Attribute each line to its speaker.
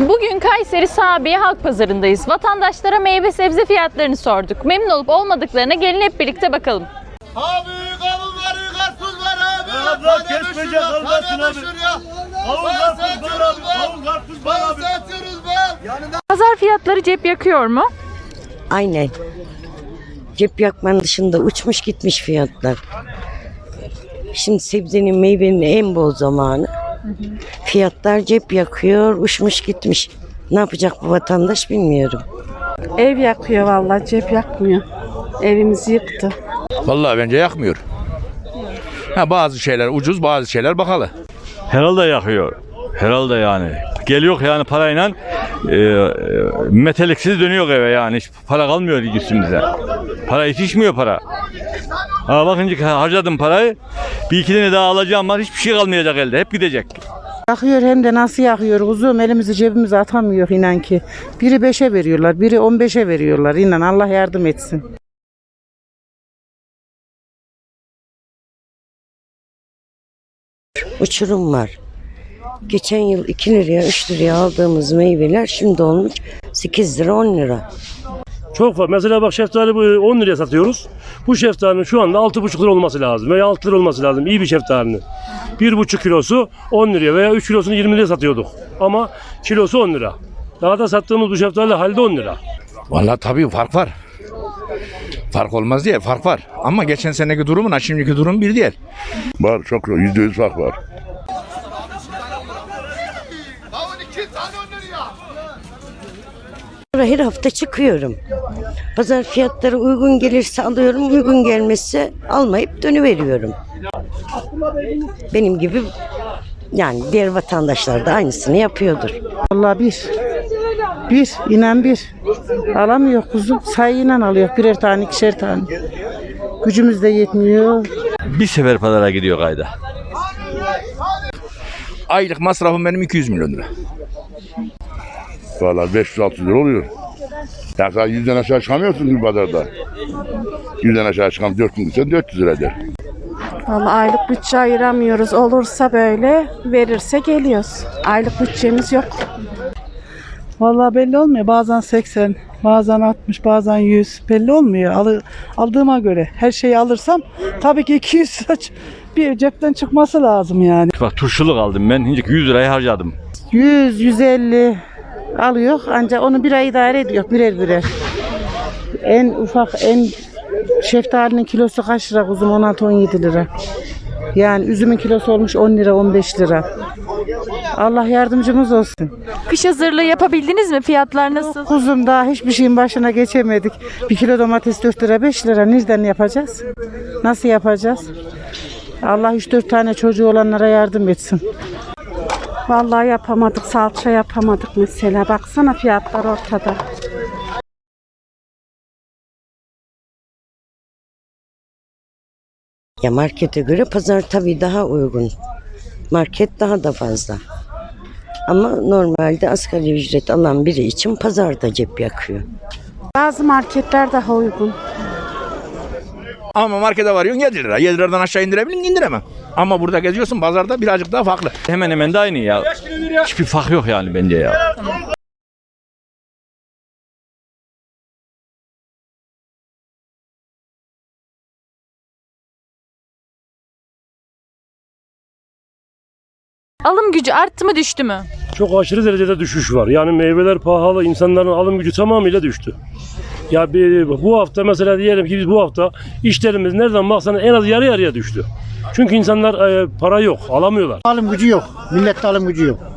Speaker 1: Bugün Kayseri Sabiye Halk Pazarı'ndayız. Vatandaşlara meyve sebze fiyatlarını sorduk. Memnun olup olmadıklarına gelin hep birlikte bakalım.
Speaker 2: Abi kavun var, karpuz var abi.
Speaker 3: Abla kesmeyecek almasın abi. Kavun karpuz var abi. Kavun karpuz var abi.
Speaker 2: Satıyoruz be.
Speaker 1: Pazar fiyatları cep yakıyor mu?
Speaker 4: Aynen. Cep yakmanın dışında uçmuş gitmiş fiyatlar. Şimdi sebzenin meyvenin en bol zamanı. Fiyatlar cep yakıyor, uçmuş gitmiş. Ne yapacak bu vatandaş bilmiyorum.
Speaker 5: Ev yakıyor vallahi, cep yakmıyor. Evimizi yıktı.
Speaker 6: Vallahi bence yakmıyor. Bazı şeyler ucuz, bazı şeyler pahalı.
Speaker 3: Herhalde yakıyor. Herhalde yani. Geliyor yani parayla meteliksiz dönüyor eve yani. Hiç para kalmıyor üstümüze. Para yetişmiyor para. Bakınca harcadım parayı. Bir iki tane daha alacağım var. Hiçbir şey kalmayacak elde. Hep gidecek.
Speaker 7: Yakıyor, hem de nasıl yakıyor kuzum, elimizi cebimize atamıyor inan ki. Biri 5'e veriyorlar, biri 15'e veriyorlar, inan Allah yardım etsin.
Speaker 4: Uçurum var. Geçen yıl 2 liraya 3 liraya aldığımız meyveler şimdi olmuş 8 lira 10 lira.
Speaker 8: Çok var. Mesela bak şeftali 10 liraya satıyoruz. Bu şeftalinin şu anda 6,5 lira olması lazım veya 6 lira olması lazım. İyi bir şeftalinin. 1,5 kilosu 10 liraya veya 3 kilosunu 20 liraya satıyorduk. Ama kilosu 10 lira. Daha da sattığımız bu şeftali halde 10 lira.
Speaker 6: Vallahi tabii fark var. Fark olmaz diye fark var. Ama geçen seneki durumla şimdiki durum bir değil.
Speaker 9: Var, çok %100 fark var.
Speaker 2: Kavun 2 tane 10 liraya.
Speaker 4: Her hafta çıkıyorum. Pazar fiyatları uygun gelirse alıyorum, uygun gelmezse almayıp dönüveriyorum. Benim gibi yani diğer vatandaşlar da aynısını yapıyordur.
Speaker 7: Vallahi inan bir. Alamıyor kuzum, sayıyla alıyor, birer tane, ikişer tane. Gücümüz de yetmiyor.
Speaker 3: Bir sefer pazara gidiyor kayda.
Speaker 6: Aylık masrafım benim 200 milyon lira.
Speaker 9: Valla 500-600 lira oluyor. Ya sen 100'den aşağı çıkamıyorsun bir pazarda. 100'den aşağı çıkan 400 lira 400 lira eder.
Speaker 5: Vallahi aylık bütçe ayıramıyoruz. Olursa böyle, verirse geliyoruz. Aylık bütçemiz yok.
Speaker 7: Vallahi belli olmuyor, bazen 80, bazen 60, bazen 100, belli olmuyor. Aldığıma göre her şeyi alırsam tabii ki 200 lira bir cepten çıkması lazım yani.
Speaker 3: Bak turşuluk aldım ben. Hincik 100 lirayı harcadım.
Speaker 7: 100, 150 alıyor, ancak onu bir ay idare ediyor birer. En ufak şeftalinin kilosu kaç lira kuzum? 16-17 lira. Yani üzümün kilosu olmuş 10 lira 15 lira. Allah yardımcımız olsun.
Speaker 1: Kış hazırlığı yapabildiniz mi? Fiyatlar nasıl?
Speaker 7: Kuzum daha hiçbir şeyin başına geçemedik. 1 kilo domates 4 lira 5 lira. Nereden yapacağız? Nasıl yapacağız? Allah 3-4 tane çocuğu olanlara yardım etsin.
Speaker 5: Vallahi yapamadık, salça yapamadık mesela. Baksana fiyatlar ortada.
Speaker 4: Ya markete göre pazar tabii daha uygun. Market daha da fazla. Ama normalde asgari ücret alan biri için pazarda cep yakıyor.
Speaker 5: Bazı marketler daha uygun.
Speaker 6: Ama markete varıyorsun 7 lira. 7 liradan aşağı indirebilir miyim? İndiremem. Ama burada geziyorsun pazarda birazcık daha farklı.
Speaker 3: Hemen hemen de aynı ya. Hiçbir fark yok yani bence ya.
Speaker 1: Alım gücü arttı mı düştü mü?
Speaker 8: Çok aşırı derecede düşüş var. Yani meyveler pahalı, insanların alım gücü tamamıyla düştü. Ya bu hafta mesela diyelim ki biz bu hafta işlerimiz nereden baksanız en az yarı yarıya düştü. Çünkü insanlar para yok, alamıyorlar.
Speaker 10: Alım gücü yok. Millette alım gücü yok.